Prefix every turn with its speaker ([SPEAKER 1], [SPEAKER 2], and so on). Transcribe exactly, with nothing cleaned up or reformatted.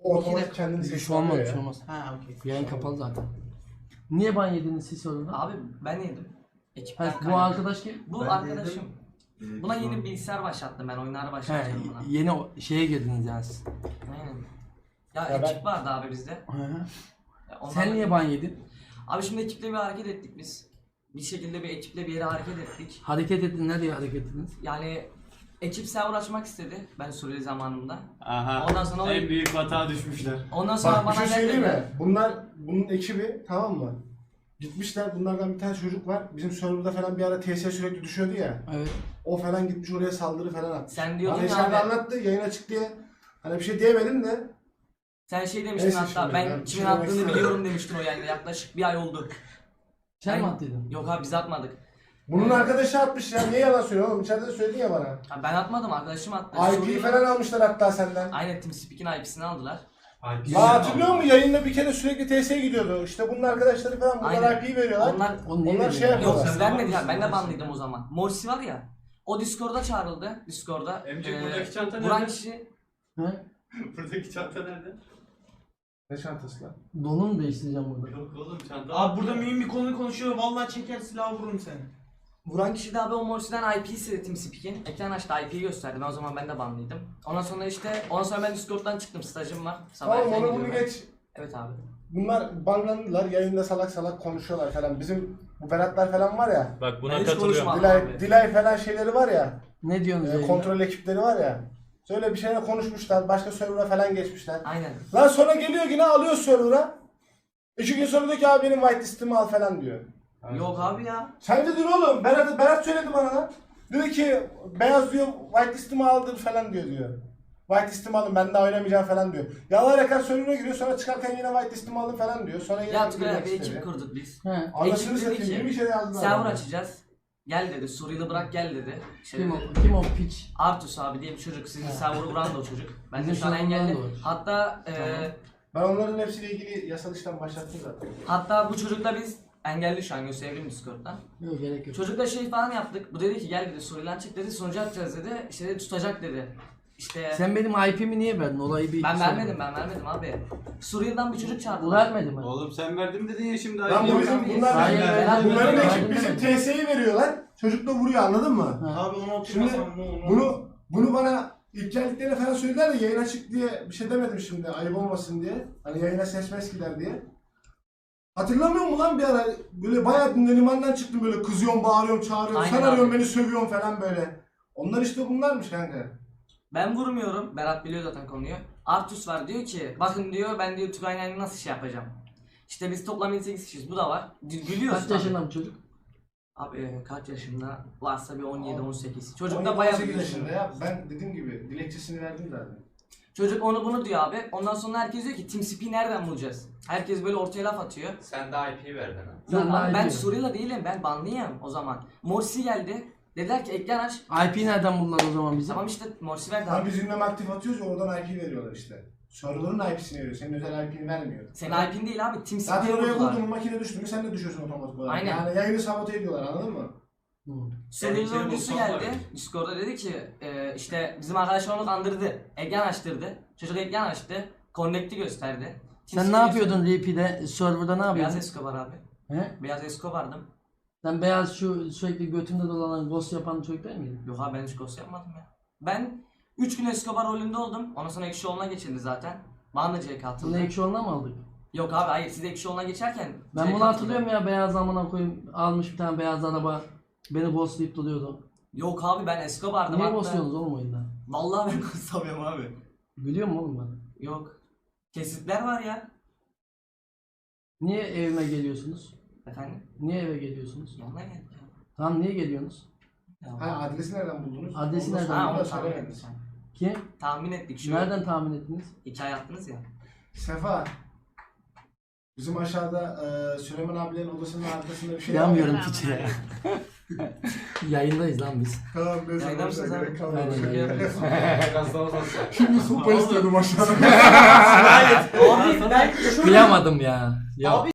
[SPEAKER 1] otomatik kendini
[SPEAKER 2] Bir şey
[SPEAKER 1] seçiyor
[SPEAKER 2] olmaz, bir
[SPEAKER 1] ya.
[SPEAKER 2] şey olmaz.
[SPEAKER 3] Ha okey.
[SPEAKER 2] Yayın kapalı zaten. Niye ban yediniz siz sorunu?
[SPEAKER 4] Abi ben yedim. Ekipten
[SPEAKER 2] Ha, bu
[SPEAKER 4] kaynaklı.
[SPEAKER 2] arkadaş kim?
[SPEAKER 4] Bu
[SPEAKER 5] Ben
[SPEAKER 4] arkadaşım.
[SPEAKER 5] Ee,
[SPEAKER 4] Buna
[SPEAKER 5] biz
[SPEAKER 4] yeni
[SPEAKER 5] onu-
[SPEAKER 4] bilgisayar başlattım ben. Oyunları
[SPEAKER 2] He,
[SPEAKER 4] başlattım buna.
[SPEAKER 2] yeni o- şeye girdiniz yani siz.
[SPEAKER 4] Aynen. Ya,
[SPEAKER 1] Ya
[SPEAKER 4] ekip
[SPEAKER 1] ben-
[SPEAKER 4] vardı abi bizde.
[SPEAKER 2] Hı hı.
[SPEAKER 4] Ya ondan-
[SPEAKER 2] Sen niye ban yedin?
[SPEAKER 4] Abi şimdi ekiple bir hareket ettik biz. Bir şekilde bir ekiple bir yere hareket ettik.
[SPEAKER 2] Hareket ettin, ne diye hareket ettiniz?
[SPEAKER 4] Yani ekip server açmak istedi ben Suriyeli zamanımda.
[SPEAKER 6] Aha.
[SPEAKER 4] Ondan sonra o-
[SPEAKER 6] en büyük hata düşmüşler.
[SPEAKER 4] Ondan sonra
[SPEAKER 1] Bak bir
[SPEAKER 4] bana
[SPEAKER 1] şey söyleyeyim
[SPEAKER 4] geldi.
[SPEAKER 1] mi? Bunlar, bunun ekibi tamam mı? Gitmişler, bunlardan bir tane çocuk var. Bizim serverda falan bir ara T S sürekli düşüyordu ya.
[SPEAKER 2] Evet.
[SPEAKER 1] O falan gitmiş oraya saldırı falan atmış.
[SPEAKER 4] Sen diyordun
[SPEAKER 1] Bana
[SPEAKER 4] ya
[SPEAKER 1] içeride
[SPEAKER 4] abi.
[SPEAKER 1] anlattı, yayın açık diye. Hani bir şey diyemedim de.
[SPEAKER 4] Sen şey demiştin
[SPEAKER 1] Neyse
[SPEAKER 4] hatta
[SPEAKER 1] şimdi,
[SPEAKER 4] ben
[SPEAKER 1] ben bir
[SPEAKER 4] kimin
[SPEAKER 1] şey demek
[SPEAKER 4] attığını
[SPEAKER 1] istemiyorum.
[SPEAKER 4] biliyorum demiştin o yayında. Yaklaşık bir ay oldu.
[SPEAKER 2] Sen mi
[SPEAKER 4] Ben-
[SPEAKER 2] attıydın?
[SPEAKER 4] Yok abi biz atmadık.
[SPEAKER 1] Bunun arkadaşı atmış ya. Niye yalan söylüyorsun oğlum? İçeride de söyledin ya bana.
[SPEAKER 4] Ha, ben atmadım arkadaşım attı.
[SPEAKER 1] I P
[SPEAKER 4] Suriyeli-
[SPEAKER 1] falan almışlar hatta senden.
[SPEAKER 4] Aynen TeamSpeak'in I P'sini aldılar.
[SPEAKER 1] Aa, hatırlıyor musun? Yayında bir kere sürekli T S'ye gidiyordu. İşte bunun arkadaşları falan bunlar
[SPEAKER 4] Aynen.
[SPEAKER 1] I P'yi veriyorlar.
[SPEAKER 4] Onlar
[SPEAKER 2] O niye
[SPEAKER 1] Onlar
[SPEAKER 2] veriyor
[SPEAKER 1] şey
[SPEAKER 2] ya?
[SPEAKER 1] yapıyor.
[SPEAKER 4] yok
[SPEAKER 1] Sen
[SPEAKER 4] biz vermedik
[SPEAKER 6] varmışsın,
[SPEAKER 4] ya. Ben de
[SPEAKER 6] varmışsın
[SPEAKER 4] banlıydım
[SPEAKER 6] ya.
[SPEAKER 4] o zaman. Morsi var ya. O Discord'a çağrıldı. Discord'a.
[SPEAKER 6] Emcik
[SPEAKER 4] Ee,
[SPEAKER 6] buradaki çanta
[SPEAKER 4] Vuran
[SPEAKER 6] nerede?
[SPEAKER 4] kişi
[SPEAKER 2] He?
[SPEAKER 6] Buradaki çanta nerede?
[SPEAKER 1] Ne çantası lan?
[SPEAKER 2] Donu mu değiştireceğim burada?
[SPEAKER 6] Yok oğlum çanta.
[SPEAKER 3] Abi burada mühim bir konu konuşuyor. Vallahi çeker silahı vururum seni.
[SPEAKER 4] Vuran kişi de abi o Morsi'den I P istedi TeamSpeak'in. Ekran açtı I P'yi gösterdi. Ben o zaman ben de banlıydım. Ondan sonra işte ondan sonra ben Discord'dan çıktım. Stajım var. Sabah
[SPEAKER 1] Tamam
[SPEAKER 4] erken
[SPEAKER 1] onu bunu
[SPEAKER 4] gidiyorum ben.
[SPEAKER 1] geç.
[SPEAKER 4] Evet abi.
[SPEAKER 1] Bunlar banlandılar. Yayında salak salak konuşuyorlar falan. Bizim bu Beratlar falan var ya.
[SPEAKER 6] Bak
[SPEAKER 4] Ben
[SPEAKER 6] buna
[SPEAKER 4] hiç
[SPEAKER 6] katılıyorum.
[SPEAKER 4] konuşmadım.
[SPEAKER 1] Dilay,
[SPEAKER 4] abi.
[SPEAKER 1] Dilay falan şeyleri var ya.
[SPEAKER 2] Ne diyorsunuz
[SPEAKER 1] E,
[SPEAKER 2] yayında?
[SPEAKER 1] kontrol ekipleri var ya. Şöyle bir şeyler konuşmuşlar. Başka server'a falan geçmişler.
[SPEAKER 4] Aynen.
[SPEAKER 1] Lan sonra geliyor yine alıyor server'a. İki gün sonra diyor ki abi benim white listimi al falan diyor.
[SPEAKER 4] Yok abi ya.
[SPEAKER 1] Sen dedin oğlum. Berat, Berat söyledi bana lan. Diyor ki beyaz diyor white listimi aldır falan diyor diyor. White listimi alın ben daha oynamayacağım falan diyor. Yalan rekar server'a giriyor sonra çıkarken yine white listimi alın falan diyor. Sonra yine
[SPEAKER 4] Ya Tugay
[SPEAKER 1] girmek
[SPEAKER 4] abi
[SPEAKER 1] istedi.
[SPEAKER 4] ekip kurduk biz.
[SPEAKER 2] He.
[SPEAKER 1] Anasını
[SPEAKER 4] Ekip dedi
[SPEAKER 1] satayım.
[SPEAKER 4] ki,
[SPEAKER 1] Yeni bir şey yazdılar.
[SPEAKER 4] Server
[SPEAKER 1] bana.
[SPEAKER 4] açacağız. Gel dedi. Suriyeli bırak gel dedi. Şey,
[SPEAKER 2] Kim o? Kim o piç?
[SPEAKER 4] Artus abi diye bir çocuk. Sizin server'ı vuran da o çocuk. Ben de
[SPEAKER 2] Bizim
[SPEAKER 4] şu an
[SPEAKER 2] server'dan
[SPEAKER 4] engelli.
[SPEAKER 2] da var.
[SPEAKER 4] Hatta e,
[SPEAKER 2] Tamam.
[SPEAKER 1] Ben onların hepsiyle ilgili yasal işlem başlattım zaten.
[SPEAKER 4] hatta bu çocukla biz engelli şu an gösterebilirim Discord'dan.
[SPEAKER 2] Yok gerek yok.
[SPEAKER 4] Çocukla şey falan yaptık. Bu dedi ki gel dedi Suriyeli'den çık dedi. Sonucu atacağız dedi. İşte dedi, tutacak dedi. İşte
[SPEAKER 2] Sen benim I P'mi niye verdin? Olayı bir...
[SPEAKER 4] ben vermedim ben vermedim abi. Suriye'den bir çocuk
[SPEAKER 2] Bu
[SPEAKER 4] çağırdılar.
[SPEAKER 2] vermedi mi?
[SPEAKER 6] Oğlum sen verdim dedin ya şimdi.
[SPEAKER 1] Lan bu
[SPEAKER 4] Yok
[SPEAKER 1] bizim
[SPEAKER 4] abi,
[SPEAKER 1] bunlar
[SPEAKER 2] hayır,
[SPEAKER 1] bizim,
[SPEAKER 2] hayır,
[SPEAKER 1] bunların
[SPEAKER 2] hayır,
[SPEAKER 1] ekip
[SPEAKER 2] hayır,
[SPEAKER 1] bizim
[SPEAKER 2] hayır.
[SPEAKER 1] T S'yi veriyorlar. Çocuk da vuruyor anladın mı?
[SPEAKER 2] Ha.
[SPEAKER 3] Abi onu
[SPEAKER 1] Şimdi
[SPEAKER 3] oturmasam ne olur?
[SPEAKER 1] bunu bunu bana ilk geldiklerinde falan söylediler de yayın açık diye bir şey demedim şimdi ayıp olmasın diye. Hani yayına ses mes gider diye. Hatırlamıyor musun lan bir ara böyle bayağı limandan çıktım böyle kızıyorum, bağırıyorum, çağırıyorum.
[SPEAKER 4] Aynen
[SPEAKER 1] Sen
[SPEAKER 4] abi.
[SPEAKER 1] arıyorsun beni sövüyorsun falan böyle. Onlar işte bunlarmış kanka.
[SPEAKER 4] Ben vurmuyorum. Berat biliyor zaten konuyu. Artus var diyor ki bakın diyor ben diyor Tugay'la nasıl şey yapacağım. İşte biz toplam yedi sekiz kişiyiz. Bu da var. Gü- Gülüyoruz.
[SPEAKER 2] Kaç yaşında bu çocuk?
[SPEAKER 4] Abi e, kaç yaşında? Varsa bir on yedi on sekiz. Çocuk
[SPEAKER 1] on
[SPEAKER 4] da
[SPEAKER 1] yedi,
[SPEAKER 4] bayağı
[SPEAKER 1] on sekiz
[SPEAKER 4] büyük.
[SPEAKER 1] yaşında ya. Ben dediğim gibi dilekçesini verdim zaten.
[SPEAKER 4] Çocuk onu bunu diyor abi. Ondan sonra herkes diyor ki TeamSpeak'i nereden bulacağız? Herkes böyle ortaya laf atıyor.
[SPEAKER 5] Sen de I P verdin ha.
[SPEAKER 4] Yok
[SPEAKER 2] Sen
[SPEAKER 4] abi
[SPEAKER 2] de
[SPEAKER 4] ben
[SPEAKER 2] I P.
[SPEAKER 4] Suriyeli değilim. Ben banlıyım o zaman. Morsi geldi. Dediler ki ekran aç.
[SPEAKER 2] I P nereden buldular o zaman bizi?
[SPEAKER 4] Tamam işte Morsi verdi
[SPEAKER 1] Lan
[SPEAKER 4] abi.
[SPEAKER 1] biz ünlem aktif atıyoruz ya oradan I P veriyorlar işte. Server'ın I P'sini veriyor. Senin özel I P'ni vermiyor.
[SPEAKER 4] Senin I P'in değil abi.
[SPEAKER 1] Zaten
[SPEAKER 4] TeamSpeak'i
[SPEAKER 1] oraya
[SPEAKER 4] vurdular.
[SPEAKER 1] vurdun mu makine düştü mü sen de düşüyorsun otomatik olarak.
[SPEAKER 4] Aynen.
[SPEAKER 1] Yani yayını sabote ediyorlar anladın mı?
[SPEAKER 2] Hı.
[SPEAKER 4] Suriyeli
[SPEAKER 6] Senin
[SPEAKER 4] oyuncusu
[SPEAKER 6] bulsam var
[SPEAKER 4] geldi.
[SPEAKER 6] ya.
[SPEAKER 4] Discord'da dedi ki e, işte bizim arkadaşlar onu kandırdı. Ekran açtırdı. Çocuk ekran açtı. Connect'i gösterdi.
[SPEAKER 2] Sen ne
[SPEAKER 4] TeamSpeak'i
[SPEAKER 2] yapıyordun R P'de, serverda ne
[SPEAKER 4] gösterdi. Beyaz
[SPEAKER 2] yapıyordun?
[SPEAKER 4] Escobar abi.
[SPEAKER 2] He?
[SPEAKER 4] Beyaz Escobar'dım.
[SPEAKER 2] Sen beyaz şu sürekli götünde dolanan ghost yapan çocuk değil miydin?
[SPEAKER 4] Yok abi ben hiç ghost yapmadım ya. Ben üç gün Escobar rolünde oldum. Ondan sonra Ekşi Yoluna geçildi zaten. Bana da C K
[SPEAKER 2] Bunu
[SPEAKER 4] atıldı.
[SPEAKER 2] ekşi yoluna mı aldık?
[SPEAKER 4] Yok abi hayır siz Ekşi Yoluna geçerken
[SPEAKER 2] Ben
[SPEAKER 4] C K
[SPEAKER 2] bunu
[SPEAKER 4] atıldı.
[SPEAKER 2] hatırlıyorum ya, beyaz amına koyayım almış bir tane beyaz araba beni ghostlayıp duruyordu.
[SPEAKER 4] Yok abi ben Escobar'dım
[SPEAKER 2] Niye
[SPEAKER 4] hatta.
[SPEAKER 2] ghostluyorsunuz oğlum oyunda?
[SPEAKER 4] Vallahi ben ghostlamıyorum abi.
[SPEAKER 2] Biliyor musun oğlum ben?
[SPEAKER 4] Yok. Kesitler var ya.
[SPEAKER 2] Niye evime geliyorsunuz?
[SPEAKER 4] Efendim?
[SPEAKER 2] Niye eve geliyorsunuz?
[SPEAKER 4] Yanına geldik ya.
[SPEAKER 2] Tamam niye geliyorsunuz?
[SPEAKER 4] Ya.
[SPEAKER 1] Ha adresi nereden buldunuz?
[SPEAKER 2] Adresi
[SPEAKER 1] Onu da
[SPEAKER 2] nereden
[SPEAKER 4] Ha
[SPEAKER 1] sonra
[SPEAKER 4] onu
[SPEAKER 1] da
[SPEAKER 4] tahmin
[SPEAKER 1] söylemediniz.
[SPEAKER 4] ettik.
[SPEAKER 2] Kim?
[SPEAKER 4] Tahmin ettik şu.
[SPEAKER 2] Nereden tahmin ettiniz?
[SPEAKER 4] Hikaye attınız ya.
[SPEAKER 1] Sefa. Bizim aşağıda e, Süleyman abilerin odasının arkasında bir şey var.
[SPEAKER 2] Yanmıyorum piçe ya. Yayındayız lan biz.
[SPEAKER 1] Tamam neyse.
[SPEAKER 4] Yayında
[SPEAKER 1] boşver,
[SPEAKER 4] mısınız abi?
[SPEAKER 1] gerek kalmadı.
[SPEAKER 2] Aynen, yayındayız.
[SPEAKER 1] Şimdi sopa istiyordum aşağıda.
[SPEAKER 4] Abi ben
[SPEAKER 2] Kıyamadım ya. Ya.